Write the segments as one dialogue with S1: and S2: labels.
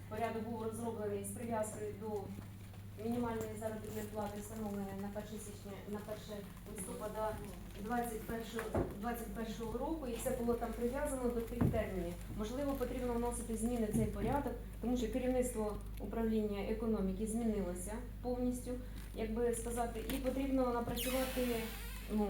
S1: порядок був розроблений з прив'язкою до мінімальної заробітної плати, встановленої на 1 січня, на 1 листопада 2021 року, і все було там прив'язано до тих термінів. Можливо, потрібно вносити зміни в цей порядок, тому що керівництво управління економіки змінилося повністю, як би сказати, і потрібно напрацювати, ну,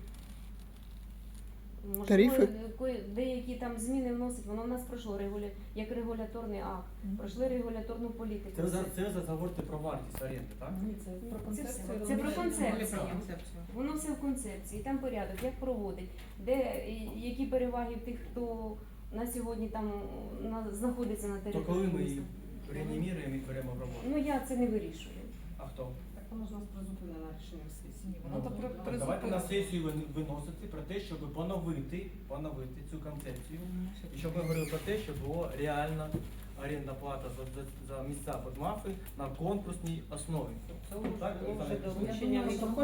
S1: можливо,
S2: Тарифи?
S1: деякі там зміни вносить, воно в нас пройшло як регуляторний акт, пройшли регуляторну політику.
S3: Це ви говорите про вартість оренди, так?
S4: Ні, це про концепцію.
S1: Це про концепцію.
S4: Про концепцію.
S1: Воно все в концепції, там порядок, як проводить, де які переваги в тих, хто на сьогодні там знаходиться на
S3: То
S1: території
S3: коли ми
S1: міста.
S3: її реанімуємо і беремо в роботу?
S1: Ну я це не вирішую.
S3: А хто?
S4: Так воно ж у нас призупинено рішенням сесії.
S3: Ну,
S4: Воно то
S3: так, давайте на сесію виносити про те, щоб поновити цю концепцію. І щоб ми говорили про те, щоб була реальна орендна плата за місця під МАФи на конкурсній основі.
S4: Це
S3: Так,
S4: вже
S3: Олександр?
S4: доручення.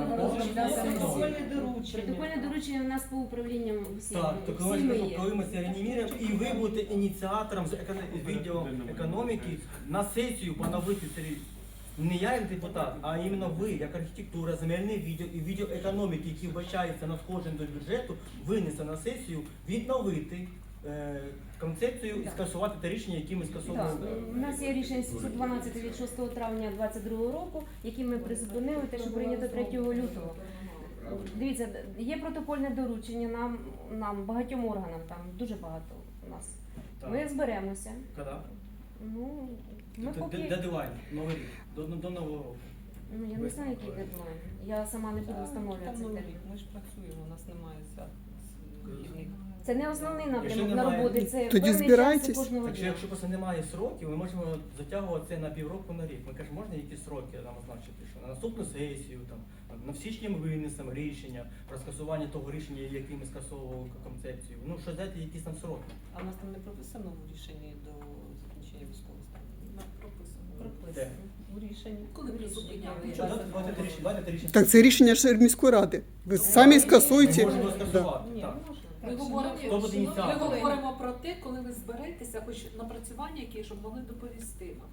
S1: Протокольне доручення у нас по управлінням всім.
S3: Так, то
S1: всіми є.
S3: коли ми це реанімуємо, і ви будете ініціатором з відділу економіки на сесію поновити це рішення. Не я як депутат, а іменно ви, як архітектура, земельний відділ і відділ економіки, який вбачається надходжень до бюджету, винесе на сесію відновити концепцію і скасувати те рішення, яке ми
S1: Так,
S3: скасовували.
S1: у нас є рішення 712 від 6 травня 2022 року, які ми призупинили, те, що прийнято 3 лютого. Дивіться, є протокольне доручення нам багатьом органам, там дуже багато у нас.
S3: Так.
S1: Ми зберемося.
S3: Коли?
S1: Ну, ми поки...
S3: Дедлайн, новий рік, до нового року.
S1: Ну, я не знаю, який дедлайн. Я сама не буду встановлювати
S4: Там
S1: цей
S4: новий
S1: термін.
S4: рік. Ми ж працюємо, у нас немає свят вихідних.
S1: Це не основний
S3: Якщо
S1: напрямок на
S3: немає-
S1: роботи, це
S2: Тоді
S1: певний
S2: збирайтесь.
S1: час кожного
S3: Так що
S1: дня.
S3: якщо просто немає сроків, ми можемо затягувати це на півроку, на рік. Ми кажемо, можна якісь сроки нам означити, що на наступну сесію, там, на січні ми винесемо рішення про скасування того рішення, яке ми скасовували концепцію. Ну, що дати якісь там сроки.
S4: А у нас там не прописано в рішенні до закінчення військового стану? Прописано.
S3: Де?
S4: У рішенні.
S5: Коли призупиняли?
S3: Ну, що, давайте рішення.
S2: Так це рішення ж міської ради. Ви самі скасуєте.
S3: Ми можемо
S2: Да.
S3: скасувати,
S4: Ні,
S3: так.
S4: не можна.
S5: Ми говоримо,
S3: Хто буде
S5: ми
S3: ініціатором?
S5: говоримо про те, коли ви зберетеся, хоч напрацювання, які щоб могли доповісти нам.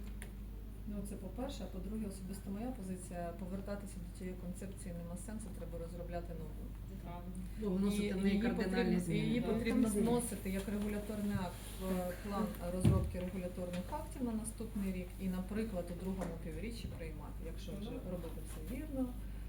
S6: Ну, це по-перше, а по-друге, особисто моя позиція, повертатися до цієї концепції нема сенсу, треба розробляти нову.
S5: Ну, вносити в неї кардинальні зміни.
S6: Її
S5: Так.
S6: потрібно
S1: Там зміни.
S6: вносити як регуляторний акт в план розробки регуляторних актів на наступний рік і, наприклад, у другому півріччі приймати. Якщо вже робити це вірно,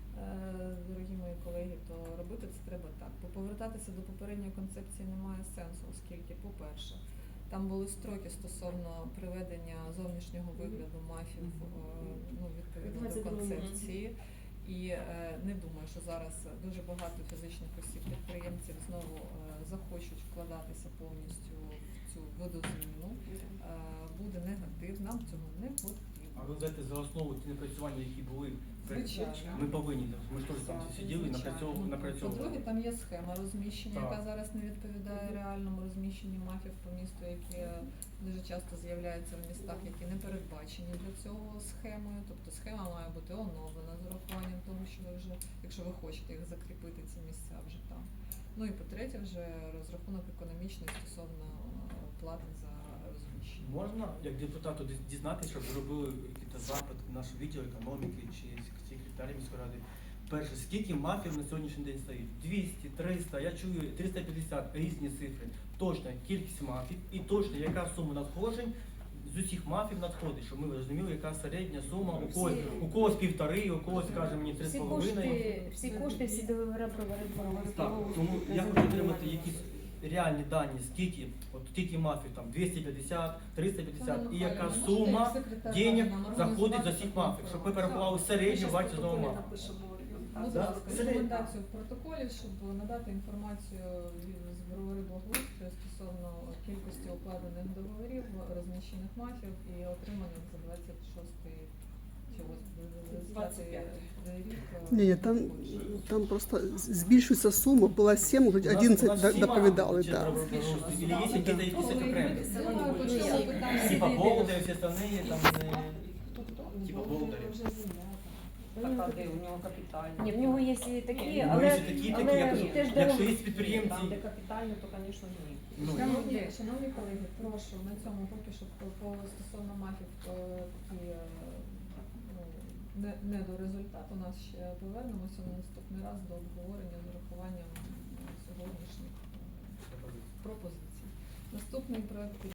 S6: дорогі мої колеги, то робити це треба так. Бо повертатися до попередньої концепції немає сенсу, оскільки, по-перше, там були строки стосовно приведення зовнішнього вигляду МАФів ну, відповідно до
S1: 22
S6: концепції. І не думаю, що зараз дуже багато фізичних осіб, підприємців знову захочуть вкладатися повністю в цю видозміну. Буде негатив, нам цього не потрібно.
S3: А ви взяти за основу ті напрацювання, які були,
S6: Звичайно.
S3: ми повинні, ми ж теж там сиділи і напрацьовували.
S6: По-друге, там є схема розміщення,
S3: Так.
S6: яка зараз не відповідає реальному розміщенню мафів по місту, які дуже часто з'являються в містах, які не передбачені для цього схемою. Тобто схема має бути оновлена з урахуванням того, що ви вже, якщо ви хочете їх закріпити, ці місця вже там. Ну і по-третє, вже розрахунок економічний стосовно плати за розміщення.
S3: Можна, як депутату, дізнатися, щоб зробили якийсь запит в наш відділ економіки чи секретарі міської ради. Перше, скільки мафів на сьогоднішній день стоїть? 200, 300, я чую 350, різні цифри. Точна кількість мафів і точно яка сума надходжень з усіх мафів надходить, щоб ми розуміли, яка середня сума, у когось 1,5, у когось, скаже мені, 3,5.
S1: Всі кошти, всі договори про
S3: Так, тому я хочу отримати якісь реальні дані, скільки мафів, там 250, 350, і яка сума денег заходить за всіх мафів, щоб ми перерахували середню вартість одного мафа.
S6: Будь
S3: Да?
S6: ласка, рекомендацію в протоколі, щоб надати інформацію з бровари благоустрою стосовно кількості укладених договорів, розміщених мафів і отриманих за 26-й чи 25 рік.
S2: Ні, там просто збільшується сума, була 7, вже 11 доповідали. Так.
S3: Или есть якісь окремі? Типа Болдер, всі остальні, там, типа Болдер.
S4: Така, де у нього капітальна.
S1: Ні, в нього є і такі,
S4: Ні,
S3: Ну,
S1: але,
S3: якщо такі, такі, я кажу,
S1: теж
S3: якщо
S1: дорого.
S3: є підприємці,
S4: Там, де капітальна, то, звісно, ні.
S3: ну,
S6: Шановні колеги, прошу на цьому поки що стосовно МАФів такі не до результату. У нас ще повернемося на наступний раз до обговорення з урахуванням сьогоднішніх пропозицій. Наступний проект